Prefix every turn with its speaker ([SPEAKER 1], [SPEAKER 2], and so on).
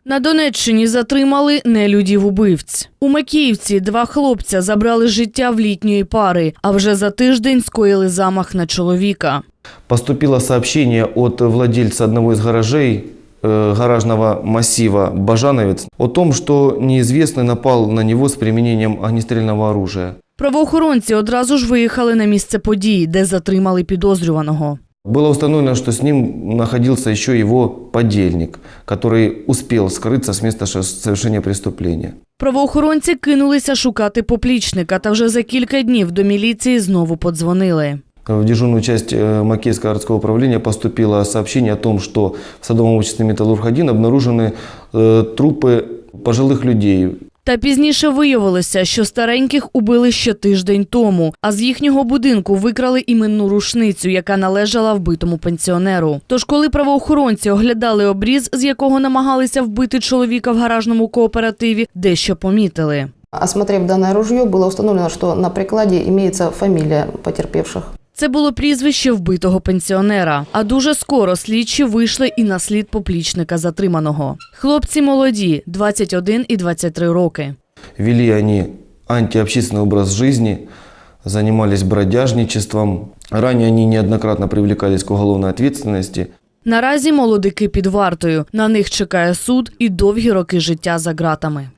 [SPEAKER 1] На Донеччині затримали нелюдів-убивць. У Макіївці 2 хлопця забрали життя в літньої пари, а вже за тиждень скоїли замах на чоловіка.
[SPEAKER 2] Поступило сообщение от владельца одного из гаражей, гаражного массива «Бажановец» о том, что неизвестный напал на него с применением огнестрельного оружия.
[SPEAKER 1] Правоохоронці одразу ж виїхали на місце події, де затримали підозрюваного.
[SPEAKER 2] Было установлено, что с ним находился еще его подельник, который успел скрыться с места совершения преступления.
[SPEAKER 1] Правоохоронці кинулися шукати поплічника, та вже за кілька днів до міліції знову подзвонили.
[SPEAKER 2] В дежурную часть Макеевского городского управления поступило сообщение о том, что в садовом обществе «Металлург-1» обнаружены трупы пожилых людей.
[SPEAKER 1] Та пізніше виявилося, що стареньких убили ще тиждень тому, а з їхнього будинку викрали іменну рушницю, яка належала вбитому пенсіонеру. Тож, коли правоохоронці оглядали обріз, з якого намагалися вбити чоловіка в гаражному кооперативі, дещо помітили.
[SPEAKER 3] Осмотрев данное ружье, было установлено, что на прикладе имеется фамилия потерпевших.
[SPEAKER 1] Це було прізвище вбитого пенсіонера. А дуже скоро слідчі вийшли і на слід поплічника затриманого. Хлопці молоді – 21 і 23 роки.
[SPEAKER 2] Вели они антиобщественный образ жизни, занимались бродяжничеством. Ранее они неоднократно привлекались к уголовной ответственности.
[SPEAKER 1] Наразі молодики під вартою. На них чекає суд і довгі роки життя за ґратами.